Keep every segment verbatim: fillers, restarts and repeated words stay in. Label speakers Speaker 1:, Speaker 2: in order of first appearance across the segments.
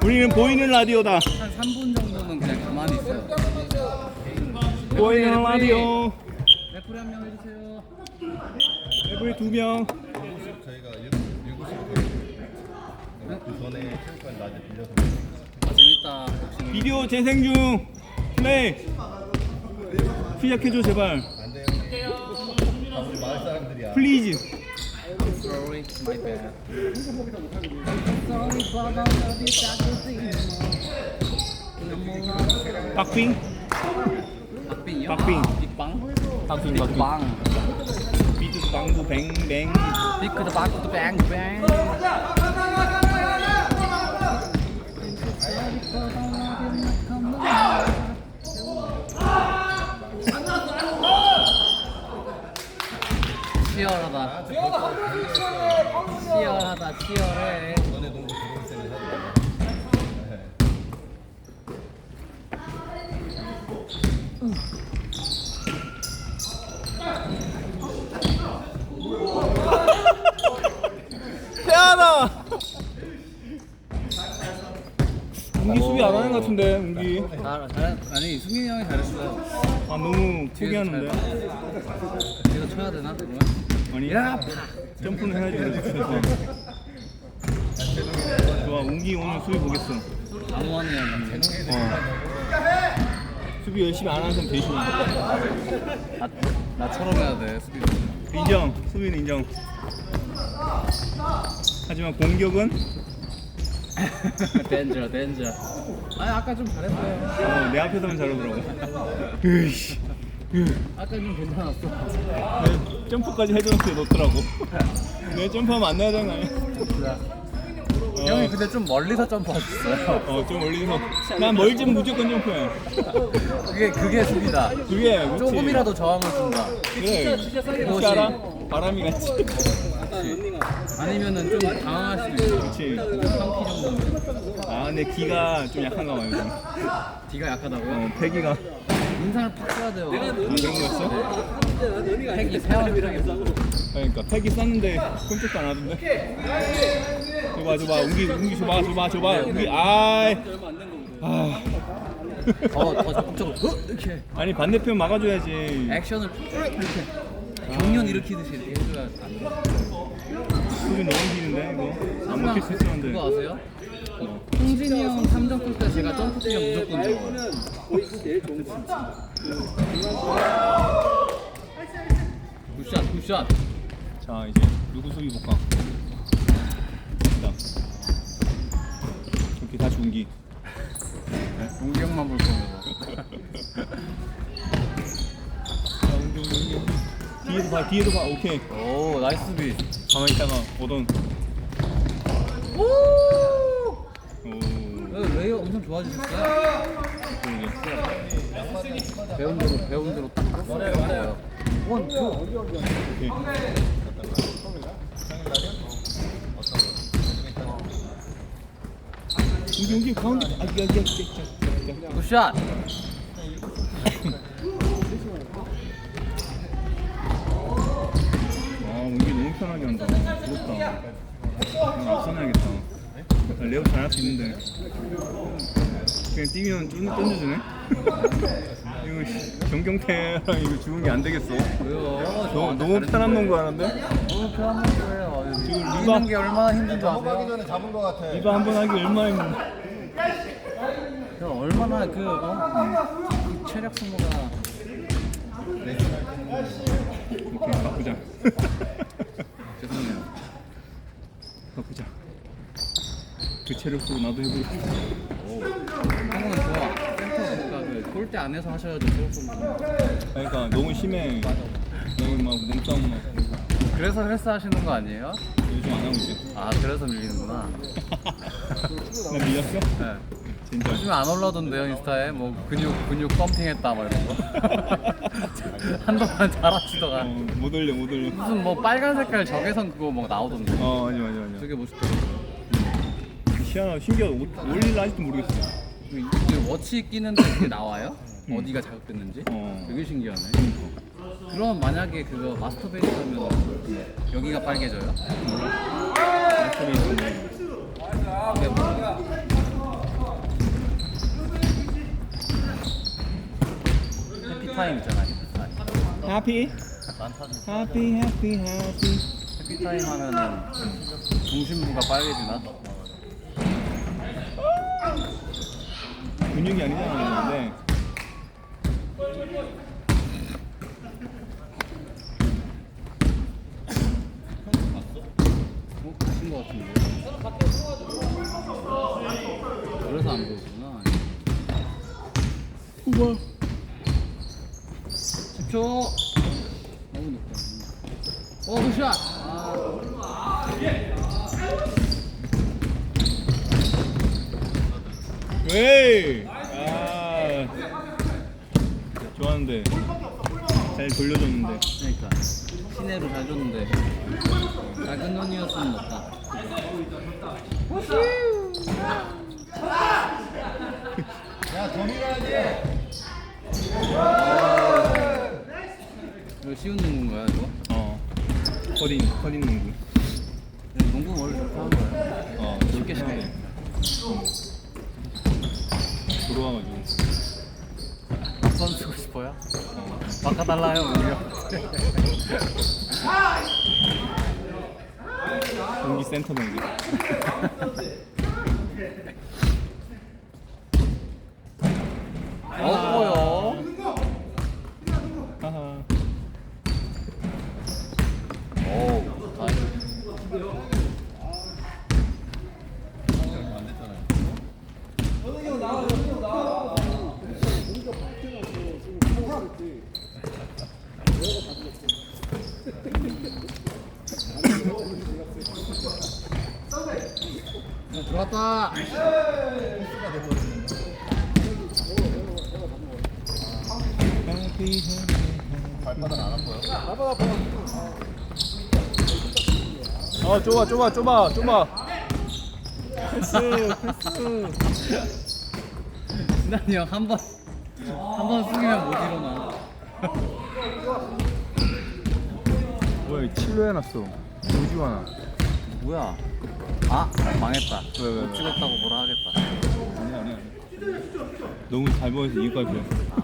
Speaker 1: 우리는 보이는 라디오다.
Speaker 2: 한 삼 분 정도는 그냥 가만히 있어요.
Speaker 1: 보이는 라디오.
Speaker 2: 레프리 한 명 해주세요.
Speaker 1: 레프리 두 명.
Speaker 3: 저희가 일곱 시 그 전에 체육관 낮에 빌려서
Speaker 2: 아, 재밌다.
Speaker 1: 비디오 재생 중. 플레이. 시작해줘 제발.
Speaker 3: 안 돼요. 다 우리 마을 사람들이야.
Speaker 1: 플리즈.
Speaker 2: Sorry, my bad. Sorry, but I love you, that's
Speaker 1: 박빙.
Speaker 2: 박빙이요?
Speaker 1: 박빙.
Speaker 2: 빅빵?
Speaker 1: 박빙
Speaker 2: 빅빵.
Speaker 1: 비트 방구 뱅뱅.
Speaker 2: 빅크드 바크드 뱅뱅. 치열하다. 치열하다. 치열해.
Speaker 3: 너네 농구 들어올 때는 해야
Speaker 1: 태연아. 웅기 수비 안 하는 것 같은데 웅기.
Speaker 2: 잘, 잘, 아니 승민이 형이 잘했어요.
Speaker 1: 아 너무 포기하는데.
Speaker 2: 이거 쳐야 되나 그러면?
Speaker 1: 아니. 점프는 해야지. 그래서. 좋아 웅기 오늘 수비 보겠어.
Speaker 2: 아무한이 형이.
Speaker 1: 어. 수비 열심히 안 하는 사람 대신해.
Speaker 2: 나 나처럼 해야 돼 수비.
Speaker 1: 인정. 수비는 인정. 하지만 공격은
Speaker 2: 댄저 댄저. 아니 아까 좀 잘했어요.
Speaker 1: 어, 내 앞에서만 잘하더라고. 으이씨.
Speaker 2: 아까 좀 괜찮았어.
Speaker 1: 내 점프까지 해줬는데 놓더라고. 내 점프하면 안 나야 되는 거 아니야? 어,
Speaker 2: 형이 근데 좀 멀리서 점프하셨어요.
Speaker 1: 어, 좀 올리서. 난 멀지면 무조건 점프해.
Speaker 2: 그게 그게 수비다.
Speaker 1: 그게 그치.
Speaker 2: 조금이라도 저항을 준다.
Speaker 1: 그래. 혹시 알아? 바람이 같이.
Speaker 2: 아니면은 좀 당황할 수도 있어.
Speaker 1: 그치.
Speaker 2: 삼 키 정도.
Speaker 1: 아, 내 기가 좀 약한가 봐요. 요즘.
Speaker 2: 뒤가 약하다고요?
Speaker 1: 어, 패기가.
Speaker 2: 인상을 팍 써야 돼요.
Speaker 1: 아, 그런 거였어?
Speaker 2: 팩이 세워주라겠어.
Speaker 1: 그러니까 패기 쌌는데 꼼짝도 안 하던데. 줘봐, 줘봐. 웅기, 웅기 줘봐, 줘봐, 줘봐. 웅기, 아이. 아.
Speaker 2: 더, 더 적극적으로 어? 이렇게
Speaker 1: 아니 반대편 막아줘야지.
Speaker 2: 액션을 이렇게 경련 일으키듯이 이렇게 해줘야 안 돼.
Speaker 1: 수비 너무 기는데 이거 안 먹힐 수 있었는데.
Speaker 2: 그거 아세요? 홍진이 형 삼 점 쏠 때 제가 점프 뛰면 무조건 줘. 굿샷 굿샷.
Speaker 1: 자 이제 누구 수비 볼까? 자 이렇게 다시 웅기.
Speaker 2: 용기 형만 볼 거면.
Speaker 1: 자 웅기 웅기 웅기. 뒤에도 봐 뒤에도 봐. 오케이.
Speaker 2: 오 나이스 수비.
Speaker 1: 가만히 있다가 오던.
Speaker 2: 오.
Speaker 1: 오.
Speaker 2: 레이어 엄청 좋아지셨어요?
Speaker 1: 그러게.
Speaker 2: 배운 대로 배운 대로 딱 맞았어요. 원 투.
Speaker 1: 오케이. 웅기 웅기 가운데. 아 이게 이게 이게.
Speaker 2: 굿샷.
Speaker 1: 아 웅기 너무 편하게 한다. 부럽다. 그냥 앞서나야겠다. 레오 잘할 수 있는데 그냥 뛰면 쫀 던져주네. 이거 씨, 정경태랑 이거 죽은 게 안 되겠어.
Speaker 2: 왜요?
Speaker 1: 너무 너무 편한 농구 하는데.
Speaker 2: 너무 편한 거예요.
Speaker 1: 지금
Speaker 2: 리바
Speaker 1: 리바
Speaker 2: 게 얼마나 힘든 줄
Speaker 3: 넘어가기
Speaker 2: 아세요?
Speaker 3: 전에 잡은 거 같아.
Speaker 1: 리바 한 번 하기 얼마나 힘든데.
Speaker 2: 그 얼마나 그, 어? 그 체력 소모가
Speaker 1: 오케이 바꾸자.
Speaker 2: 죄송해요.
Speaker 1: 바꾸자. 그 체력 쓰고 나도 해보고 싶어.
Speaker 2: 형은 좋아. 센터 뭔가 그 골대 안에서 하셔야죠 체력 소모.
Speaker 1: 그러니까 너무 심해. 여기 막 몸싸움 막
Speaker 2: 그래서 헬스 하시는 거 아니에요?
Speaker 1: 요즘 안 하고 있지.
Speaker 2: 아 그래서 밀리는구나.
Speaker 1: 나 밀렸어?
Speaker 2: 네.
Speaker 1: 진짜.
Speaker 2: 요즘에 안 올라던데요 인스타에 뭐 근육 근육 펌핑했다 막 이런 거. 한동안 잘하시다가
Speaker 1: 어, 못 올려 못 올려.
Speaker 2: 무슨 뭐 빨간 색깔 적외선 그거 막 나오던데.
Speaker 1: 어 맞아 맞아 맞아.
Speaker 2: 되게 멋있더라고요.
Speaker 1: 희한하다. 신기하다. 올릴라 아직도 모르겠어.
Speaker 2: 그 워치 끼는데 그게 나와요? 어디가 자극됐는지?
Speaker 1: 어.
Speaker 2: 되게 신기하네. 그럼 만약에 그거 마스터베이스 하면 여기가 빨개져요?
Speaker 1: 마스터베이스.
Speaker 2: 근데 뭐 해피타임 있잖아. 해피타임.
Speaker 1: Happy,
Speaker 3: 난 사진
Speaker 1: happy, happy, happy.
Speaker 2: 해피타임 하면은 중심부가 빨개지나?
Speaker 1: 근육이 아니잖아 근데.
Speaker 2: 어? 가신 것 같은데. 그래서 안 보였구나.
Speaker 1: 우와.
Speaker 2: 십 초. 너무 높다. 어, 굿샷. 아,
Speaker 1: 웨이. 아. 좋았는데. 잘 돌려줬는데.
Speaker 2: 그러니까 시내로 잘 줬는데 작은 놈이었으면 높다.
Speaker 3: 야더 밀어야지.
Speaker 2: 이거 쉬운 농구인가요, 이거?
Speaker 1: 어. 커딩, 커딩 농구.
Speaker 2: 농구 원래 좋게 하는 거예요.
Speaker 1: 어.
Speaker 2: 쉽게 쉽게.
Speaker 1: 들어와가지고.
Speaker 2: 앞선 쓰고 싶어요? 바꿔달라요, 오히려.
Speaker 1: 경기 센터 경기.
Speaker 2: 없고요.
Speaker 1: 하하.
Speaker 2: 오, 다행이다.
Speaker 3: 안 됐잖아요.
Speaker 2: 들어왔다.
Speaker 3: 발바닥 안 아파요?
Speaker 1: 어 좁아 좁아 좁아 좁아. 패스 패스.
Speaker 2: 진환이 형 한 번, 한 번 숙이면 못 일어나.
Speaker 1: 뭐야 칠로 해놨어. 오지도 않아.
Speaker 2: 뭐야? 아, 망했다.
Speaker 1: 왜, 왜, 왜?
Speaker 2: 못 찍었다고 뭐라 하겠다.
Speaker 1: 아니야 아니야. 너무 잘 보여서 이유까지 보였어.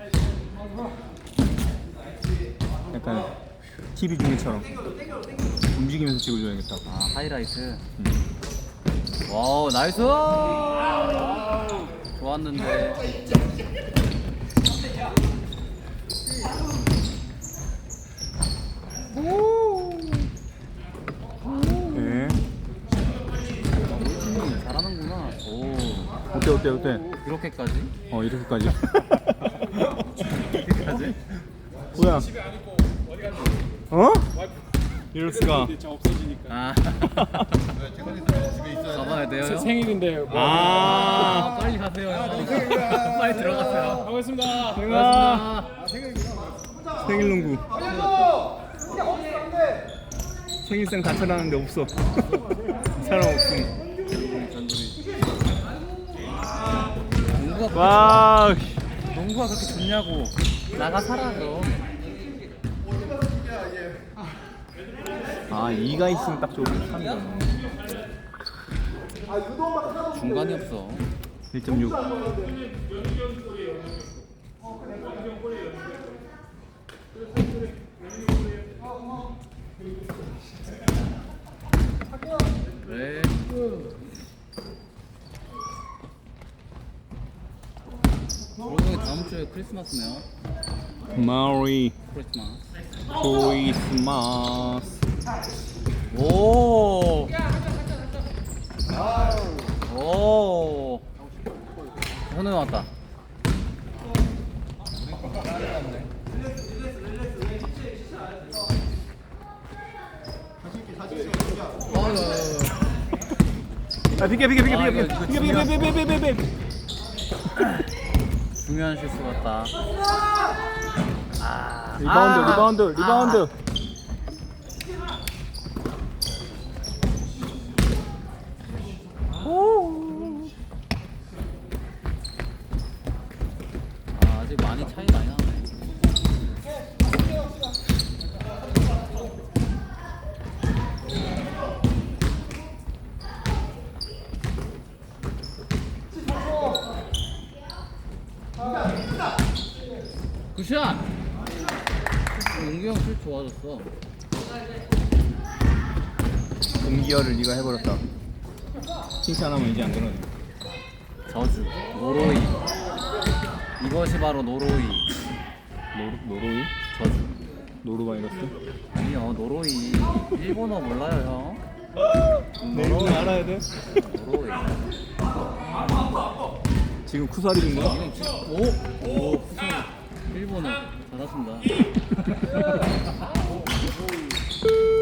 Speaker 1: 약간 티비 중계처럼 움직이면서 찍어줘야겠다.
Speaker 2: 아, 하이라이트. 와우, 나이스! 좋았는데.
Speaker 1: 네.
Speaker 2: 음, 잘하는구나. 오,
Speaker 1: 어때 어때 어때?
Speaker 2: 이렇게까지?
Speaker 1: 어 이렇게까지.
Speaker 2: 이렇게까지?
Speaker 1: 뭐야? 어? 이럴 수가.
Speaker 2: 아,
Speaker 3: 왜 최근에 집에 있어야 돼?
Speaker 2: 가봐야 돼요. 형?
Speaker 4: 생일인데 뭐
Speaker 2: 아,
Speaker 1: 아.
Speaker 2: 빨리 가세요. 형. 빨리 들어가세요.
Speaker 4: 반갑습니다.
Speaker 1: 내가
Speaker 2: 고맙습니다.
Speaker 1: 생일 농구. 생일상 다 찾아놨는데 없어. 사람 없음.
Speaker 2: 농구가,
Speaker 1: 와.
Speaker 2: 농구가 그렇게 좋냐고. 나가 살아, 그럼.
Speaker 1: 아 이가 있으면 딱 좋고 삼이잖아.
Speaker 2: 중간이 없어.
Speaker 1: 일 점 육.
Speaker 2: 네. 그러고 보니 다음 주에 크리스마스네요.
Speaker 1: 마리
Speaker 2: 크리스마스.
Speaker 1: 크리스마스.
Speaker 2: 오. 오. 손에 왔다.
Speaker 1: 아 비켜 비켜 비켜
Speaker 2: 아,
Speaker 1: 비켜
Speaker 2: 이거- 이거
Speaker 1: 비켜 비켜 비켜 비켜 비켜 비켜.
Speaker 2: 중요한 실수 같다. 아.
Speaker 1: 리바운드
Speaker 2: 아.
Speaker 1: 리바운드 리바운드.
Speaker 2: 아, 아직 많이 차이 많이 나네. 굿샷! 용기 형슛 좋아졌어.
Speaker 1: 동기열을 네가 해버렸다. 칭찬하면 이제 안 그러네.
Speaker 2: 저주, 노로이. 이것이 바로 노로이.
Speaker 1: 노루, 노로이?
Speaker 2: 저주.
Speaker 1: 노루바이러스?
Speaker 2: 아니요, 노로이. 일본어 몰라요, 형?
Speaker 1: 내 이름을 알아야 돼?
Speaker 2: 노로이.
Speaker 1: 지금 쿠사리 준 거야?
Speaker 2: 이건 진짜 오! 오! 일본어 잘하신다.